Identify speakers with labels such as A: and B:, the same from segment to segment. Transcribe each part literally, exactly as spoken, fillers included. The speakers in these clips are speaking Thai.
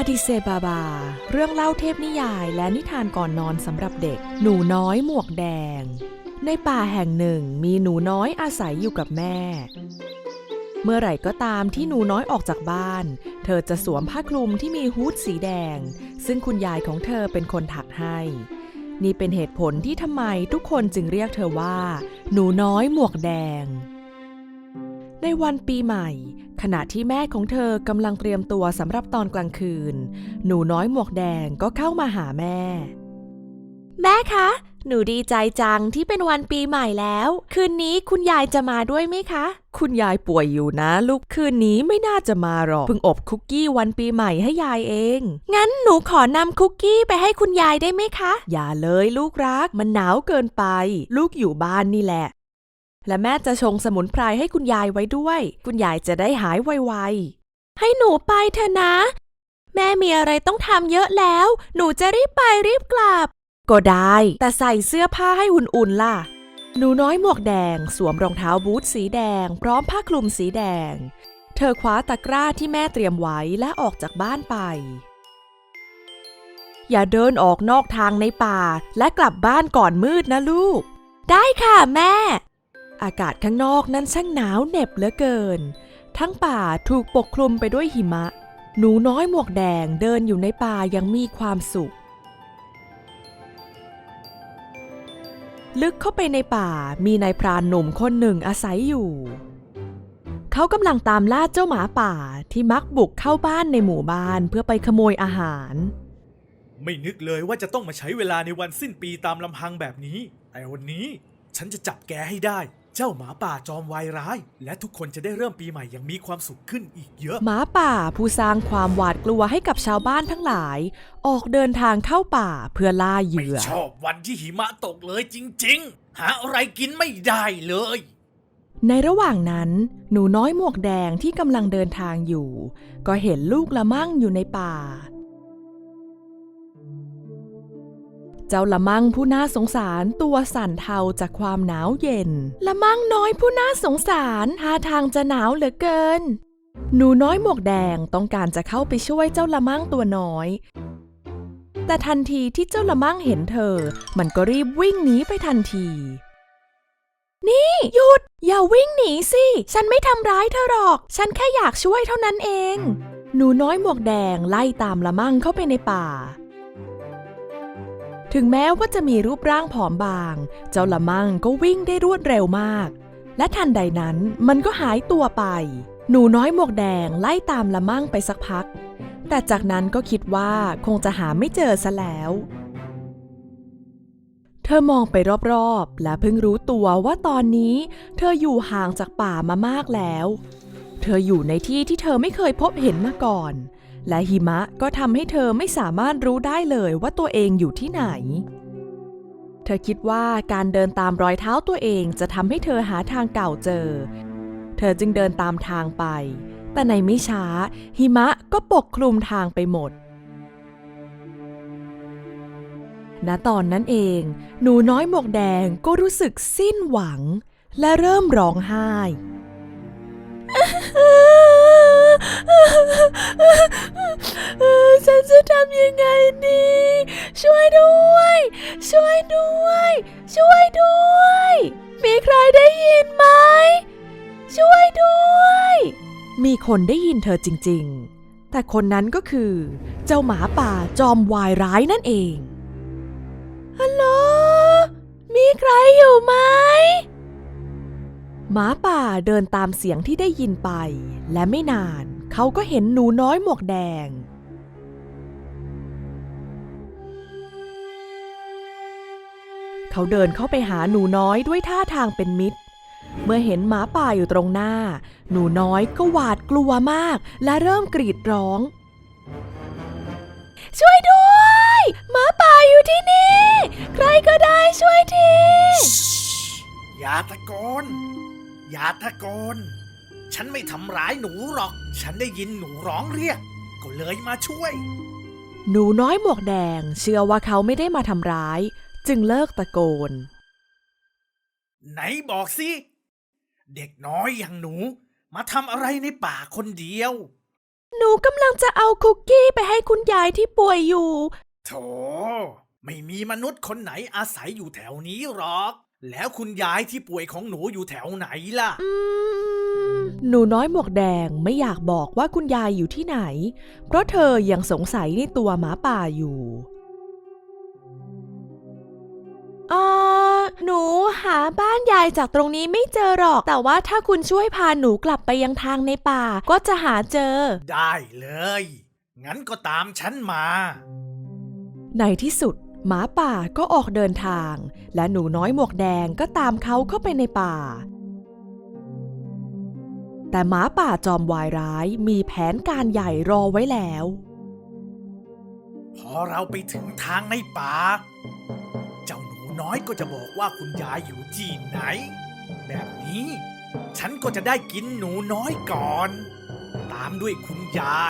A: ดิเซบาบาเรื่องเล่าเทพนิยายและนิทานก่อนนอนสำหรับเด็กหนูน้อยหมวกแดงในป่าแห่งหนึ่งมีหนูน้อยอาศัยอยู่กับแม่เมื่อไหร่ก็ตามที่หนูน้อยออกจากบ้านเธอจะสวมผ้าคลุมที่มีฮู้ดสีแดงซึ่งคุณยายของเธอเป็นคนถักให้นี่เป็นเหตุผลที่ทำไมทุกคนจึงเรียกเธอว่าหนูน้อยหมวกแดงในวันปีใหม่ขณะที่แม่ของเธอกำลังเตรียมตัวสำหรับตอนกลางคืนหนูน้อยหมวกแดงก็เข้ามาหาแม่แม่คะหนูดีใจจังที่เป็นวันปีใหม่แล้วคืนนี้คุณยายจะมาด้วยไหมคะคุณยายป่วยอยู่นะลูกคืนนี้ไม่น่าจะมาหรอกเพิ่งอบคุกกี้วันปีใหม่ให้ยายเองงั้นหนูขอนำคุกกี้ไปให้คุณยายได้ไหมคะอย่าเลยลูกรักมันหนาวเกินไปลูกอยู่บ้านนี่แหละและแม่จะชงสมุนไพรให้คุณยายไว้ด้วยคุณยายจะได้หายไวๆให้หนูไปเถอะนะแม่มีอะไรต้องทำเยอะแล้วหนูจะรีบไปรีบกลับก็ได้แต่ใส่เสื้อผ้าให้อุ่นๆล่ะหนูน้อยหมวกแดงสวมรองเท้าบูทสีแดงพร้อมผ้าคลุมสีแดงเธอคว้าตะกร้าที่แม่เตรียมไว้และออกจากบ้านไปอย่าเดินออกนอกทางในป่าและกลับบ้านก่อนมืดนะลูกได้ค่ะแม่อากาศข้างนอกนั้นช่างหนาวเหน็บเหลือเกินทั้งป่าถูกปกคลุมไปด้วยหิมะหนูน้อยหมวกแดงเดินอยู่ในป่ายังมีความสุขลึกเข้าไปในป่ามีนายพรานหนุ่มคนหนึ่งอาศัยอยู่เขากำลังตามล่าเจ้าหมาป่าที่มักบุกเข้าบ้านในหมู่บ้านเพื่อไปขโมยอาหาร
B: ไม่นึกเลยว่าจะต้องมาใช้เวลาในวันสิ้นปีตามลำพังแบบนี้แต่วันนี้ฉันจะจับแกให้ได้เจ้าหมาป่าจอมวายร้ายและทุกคนจะได้เริ่มปีใหม่อย่างมีความสุขขึ้นอีกเยอะ
A: หมาป่าผู้สร้างความหวาดกลัวให้กับชาวบ้านทั้งหลายออกเดินทางเข้าป่าเพื่อล่าเหยื่อ
B: ไม่ชอบวันที่หิมะตกเลยจริงๆหาอะไรกินไม่ได้เลย
A: ในระหว่างนั้นหนูน้อยหมวกแดงที่กำลังเดินทางอยู่ก็เห็นลูกละมั่งอยู่ในป่าเจ้าละมั่งผู้น่าสงสารตัวสั่นเทาจากความหนาวเย็นละมั่งน้อยผู้น่าสงสารท่าทางจะหนาวเหลือเกินหนูน้อยหมวกแดงต้องการจะเข้าไปช่วยเจ้าละมั่งตัวน้อยแต่ทันทีที่เจ้าละมั่งเห็นเธอมันก็รีบวิ่งหนีไปทันทีนี่หยุดอย่าวิ่งหนีสิฉันไม่ทำร้ายเธอหรอกฉันแค่อยากช่วยเท่านั้นเองหนูน้อยหมวกแดงไล่ตามละมั่งเข้าไปในป่าถึงแม้ว่าจะมีรูปร่างผอมบางเจ้าละมั่งก็วิ่งได้รวดเร็วมากและทันใดนั้นมันก็หายตัวไปหนูน้อยหมวกแดงไล่ตามละมั่งไปสักพักแต่จากนั้นก็คิดว่าคงจะหาไม่เจอซะแล้วเธอมองไปรอบๆและเพิ่งรู้ตัวว่าตอนนี้เธออยู่ห่างจากป่ามามากแล้วเธออยู่ในที่ที่เธอไม่เคยพบเห็นมาก่อนและหิมะก็ทำให้เธอไม่สามารถรู้ได้เลยว่าตัวเองอยู่ที่ไหนเธอคิดว่าการเดินตามรอยเท้าตัวเองจะทำให้เธอหาทางเก่าเจอเธอจึงเดินตามทางไปแต่ในไม่ช้าหิมะก็ปกคลุมทางไปหมดณตอนนั้นเองหนูน้อยหมวกแดงก็รู้สึกสิ้นหวังและเริ่มร้องไห้ฉันจะทำยังไงดีช่วยด้วยช่วยด้วยช่วยด้วยมีใครได้ยินไหมช่วยด้วยมีคนได้ยินเธอจริงๆแต่คนนั้นก็คือเจ้าหมาป่าจอมวายร้ายนั่นเองฮัลโหลมีใครอยู่ไหมหมาป่าเดินตามเสียงที่ได้ยินไปและไม่นานเขาก็เห็นหนูน้อยหมวกแดงเขาเดินเข้าไปหาหนูน้อยด้วยท่าทางเป็นมิตรเมื่อเห็นหมาป่าอยู่ตรงหน้าหนูน้อยก็หวาดกลัวมากและเริ่มกรีดร้องช่วยด้วยหมาป่าอยู่ที่นี่ใครก็ได้ช่วยที
B: อย่าตะโกนอย่าตะโกนฉันไม่ทำร้ายหนูหรอกฉันได้ยินหนูร้องเรียกก็เลยมาช่วย
A: หนูน้อยหมวกแดงเชื่อว่าเขาไม่ได้มาทำร้ายจึงเลิกตะโกน
B: ไหนบอกสิเด็กน้อยอย่างหนูมาทำอะไรในป่าคนเดียว
A: หนูกำลังจะเอาคุกกี้ไปให้คุณยายที่ป่วยอยู่
B: โถไม่มีมนุษย์คนไหนอาศัยอยู่แถวนี้หรอก แล้วคุณยายที่ป่วยของหนูอยู่แถวไหนล่ะ
A: อืม หนูน้อยหมวกแดงไม่อยากบอกว่าคุณยายอยู่ที่ไหน เพราะเธอยังสงสัยในตัวหมาป่าอยู่เออหนูหาบ้านยายจากตรงนี้ไม่เจอหรอก แต่ว่าถ้าคุณช่วยพาหนูกลับไปยังทางในป่าก็จะหาเจอ
B: ได้เลย งั้นก็ตามฉันมา
A: ในที่สุดหมาป่าก็ออกเดินทาง และหนูน้อยหมวกแดงก็ตามเขาเข้าไปในป่า แต่หมาป่าจอมวายร้ายมีแผนการใหญ่รอไว้แล้ว
B: พอเราไปถึงทางในป่า เจ้าหนูน้อยก็จะบอกว่าคุณยายอยู่ที่ไหน แบบนี้ฉันก็จะได้กินหนูน้อยก่อน ตามด้วยคุณยาย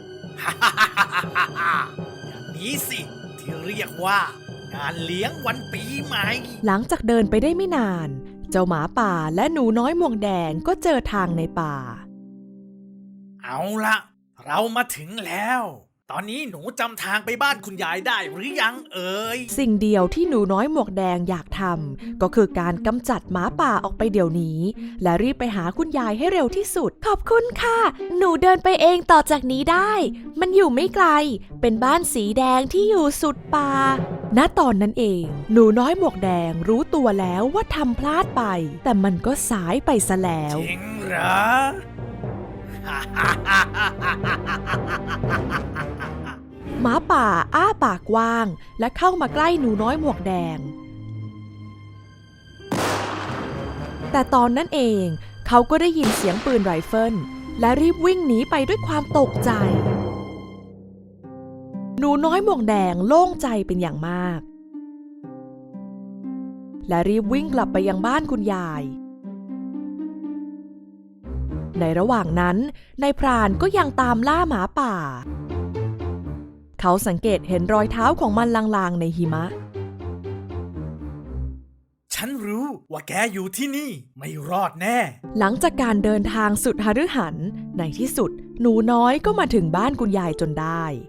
B: อย่างนี้สิที่เรียกว่างานเลี้ยงวันปีใหม่
A: หลังจากเดินไปได้ไม่นาน เจ้าหมาป่าและหนูน้อยหมวกแดงก็เจอทางในป่า
B: เอาละเรามาถึงแล้ว ตอนนี้หนูจำทางไปบ้านคุณยายได้หรือยังเอ่ย
A: สิ่งเดียวที่หนูน้อยหมวกแดงอยากทำก็คือการกำจัดหมาป่าออกไปเดี๋ยวนี้ และรีบไปหาคุณยายให้เร็วที่สุดขอบคุณค่ะหนูเดินไปเองต่อจากนี้ได้ มันอยู่ไม่ไกลเป็นบ้านสีแดงที่อยู่สุดป่าณตอนนั้นเองหนูน้อยหมวกแดงรู้ตัวแล้วว่าทำพลาดไป แต่มันก็สายไปซะแล้ว
B: จริงเหรอ
A: หมาป่าอ้าปากกว้างและเข้ามาใกล้หนูน้อยหมวกแดง แต่ตอนนั้นเองเขาก็ได้ยินเสียงปืนไรเฟิลและรีบวิ่งหนีไปด้วยความตกใจ หนูน้อยหมวกแดงโล่งใจเป็นอย่างมาก และรีบวิ่งกลับไปยังบ้านคุณยายในระหว่างนั้นนายพรานก็ยังตามล่าหมาป่าเขาสังเกตเห็นรอยเท้าของมันลางๆในหิมะ
B: ฉันรู้ว่าแกอยู่ที่นี่ไม่รอดแน่
A: หลังจากการเดินทางสุดหฤหันในที่สุดหนูน้อยก็มาถึงบ้านคุณยายจนได้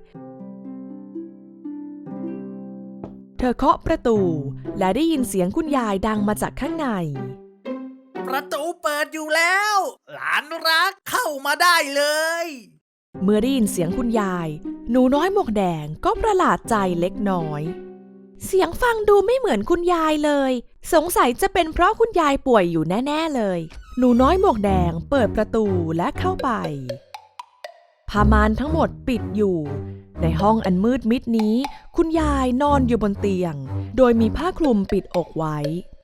A: เธอเคาะประตูและได้ยินเสียงคุณยายดังมาจากข้างใน
B: ประตูเปิดอยู่แล้ว หลานรักเข้ามาได้เลย
A: เมื่อได้ยินเสียงคุณยายหนูน้อยหมวกแดงก็ประหลาดใจเล็กน้อย เสียงฟังดูไม่เหมือนคุณยายเลย สงสัยจะเป็นเพราะคุณยายป่วยอยู่แน่ๆเลยหนูน้อยหมวกแดงเปิดประตูและเข้าไปผ้าม่านทั้งหมดปิดอยู่ในห้องอันมืดมิดนี้คุณยายนอนอยู่บนเตียงโดยมีผ้าคลุมปิดอกไว้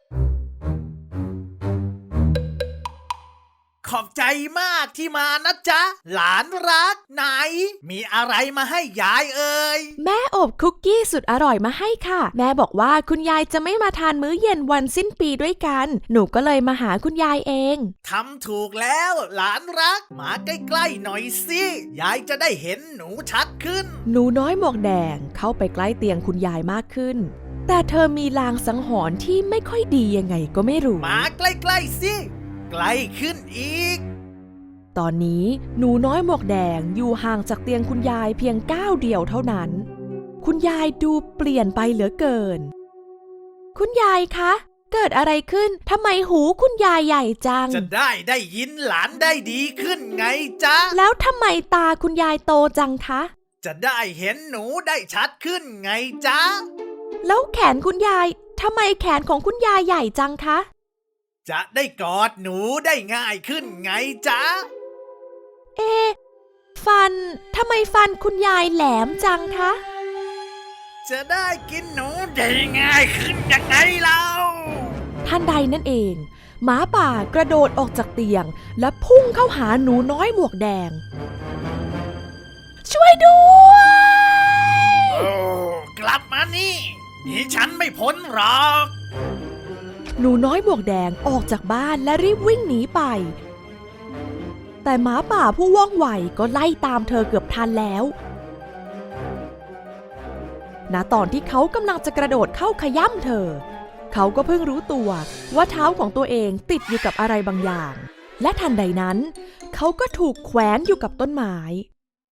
B: ขอบใจมากที่มานะจ๊ะ หลานรักไหน มีอะไรมาให้ยายเอ่ย
A: แม่อบคุกกี้สุดอร่อยมาให้ค่ะแม่บอกว่าคุณยายจะไม่มาทานมื้อเย็นวันสิ้นปีด้วยกันหนูก็เลยมาหาคุณยายเอง
B: ทำถูกแล้วหลานรักมาใกล้ๆหน่อยสิยายจะได้เห็นหนูชัดขึ้น
A: หนูน้อยหมวกแดงเข้าไปใกล้เตียงคุณยายมากขึ้นแต่เธอมีลางสังหรณ์ที่ไม่ค่อยดียังไงก็ไม่รู้
B: มาใกล้ๆสิใกล้ขึ้นอีก
A: ตอนนี้หนูน้อยหมวกแดงอยู่ห่างจากเตียงคุณยายเพียงก้าวเดียวเท่านั้นคุณยายดูเปลี่ยนไปเหลือเกินคุณยายคะเกิดอะไรขึ้นทำไมหูคุณยายใหญ่จัง
B: จะได้ได้ยินหลานได้ดีขึ้นไงจ๊ะ
A: แล้วทำไมตาคุณยายโตจังคะ
B: จะได้เห็นหนูได้ชัดขึ้นไงจ๊ะ
A: แล้วแขนคุณยายทำไมแขนของคุณยายใหญ่จังคะ
B: จะได้กอดหนูได้ง่ายขึ้นไงจ๊ะ
A: เอ๊ะฟันทำไมฟันคุณยายแหลมจังคะ
B: จะได้กินหนูได้ง่ายขึ้นยังไงเล่า
A: ทันใดนั่นเองหมาป่ากระโดดออกจากเตียงและพุ่งเข้าหาหนูน้อยหมวกแดงช่วยด้วย
B: โอ้กลับมานี่นี่ฉันไม่พ้นหรอก
A: หนูน้อยหมวกแดงออกจากบ้านและรีบวิ่งหนีไปแต่หมาป่าผู้ว่องไวก็ไล่ตามเธอเกือบทันแล้วณตอนที่เขากำลังจะกระโดดเข้าขย้ำเธอเขาก็เพิ่งรู้ตัวว่าเท้าของตัวเองติดอยู่กับอะไรบางอย่างและทันใดนั้นเขาก็ถูกแขวนอยู่กับต้นไม้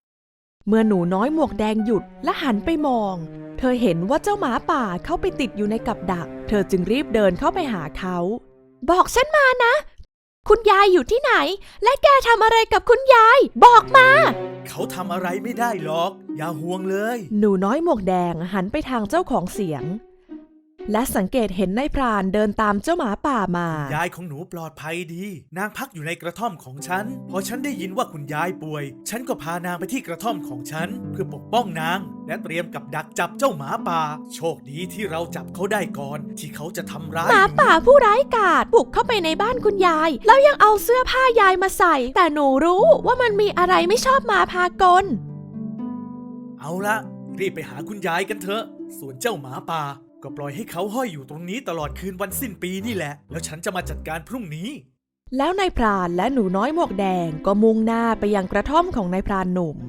A: เมื่อหนูน้อยหมวกแดงหยุดและหันไปมอง เธอเห็นว่าเจ้าหมาป่าเข้าไปติดอยู่ในกับดัก เธอจึงรีบเดินเข้าไปหาเขาบอกฉันมานะคุณยายอยู่ที่ไหนและแกทำอะไรกับคุณยายบอกมา
B: เขาทำอะไรไม่ได้หรอกอย่าห่วงเลย
A: หนูน้อยหมวกแดงหันไปทางเจ้าของเสียงและสังเกตเห็นนายพรานเดินตามเจ้าหมาป่ามาย
B: ายของหนูปลอดภัยดีนางพักอยู่ในกระท่อมของฉันพอฉันได้ยินว่าคุณยายป่วยฉันก็พานางไปที่กระท่อมของฉันเพื่อปกป้องนางและเตรียมกับดักจับเจ้าหมาป่าโชคดีที่เราจับเขาได้ก่อนที่เขาจะทำร้าย
A: หมาป่าผู้ร้ายกาจบุกเข้าไปในบ้านคุณยายแล้วยังเอาเสื้อผ้ายายมาใส่แต่หนูรู้ว่ามันมีอะไรไม่ชอบมาพากล
B: เอาละรีบไปหาคุณยายกันเถอะส่วนเจ้าหมาป่าก็ปล่อยให้เขาห้อยอยู่ตรงนี้ตลอดคืนวันสิ้นปีนี่แหละแล้วฉันจะมาจัดการพรุ่งนี้
A: แล้วนายพรานและหนูน้อยหมวกแดงก็มุ่งหน้าไปยังกระท่อมของนายพรานหนุ่ม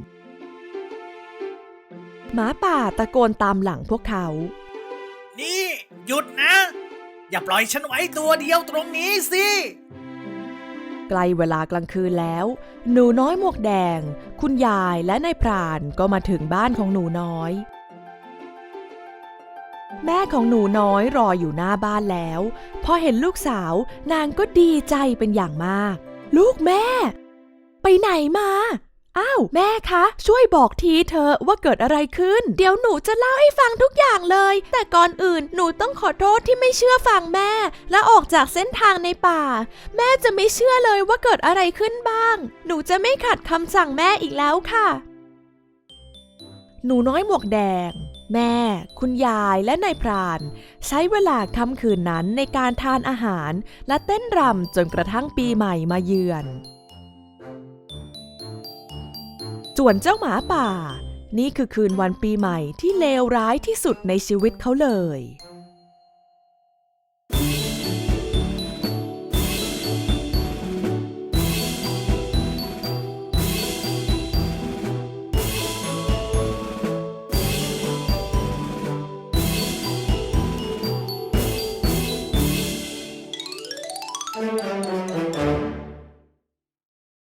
A: หมาป่าตะโกนตามหลังพวกเขา
B: นี่หยุดนะอย่าปล่อยฉันไว้ตัวเดียวตรงนี้สิ
A: ใกล้เวลากลางคืนแล้วหนูน้อยหมวกแดงคุณยายและนายพรานก็มาถึงบ้านของหนูน้อยแม่ของหนูน้อยรออยู่หน้าบ้านแล้วพอเห็นลูกสาวนางก็ดีใจเป็นอย่างมากลูกแม่ไปไหนมาอ้าวแม่คะช่วยบอกทีเถอะว่าเกิดอะไรขึ้นเดี๋ยวหนูจะเล่าให้ฟังทุกอย่างเลยแต่ก่อนอื่นหนูต้องขอโทษที่ไม่เชื่อฟังแม่และออกจากเส้นทางในป่าแม่จะไม่เชื่อเลยว่าเกิดอะไรขึ้นบ้างหนูจะไม่ขัดคำสั่งแม่อีกแล้วค่ะหนูน้อยหมวกแดงแม่คุณยายและนายพรานใช้เวลาค่ำคืนนั้นในการทานอาหารและเต้นรำจนกระทั่งปีใหม่มาเยือนส่วนเจ้าหมาป่านี่คือคืนวันปีใหม่ที่เลวร้ายที่สุดในชีวิตเขาเลย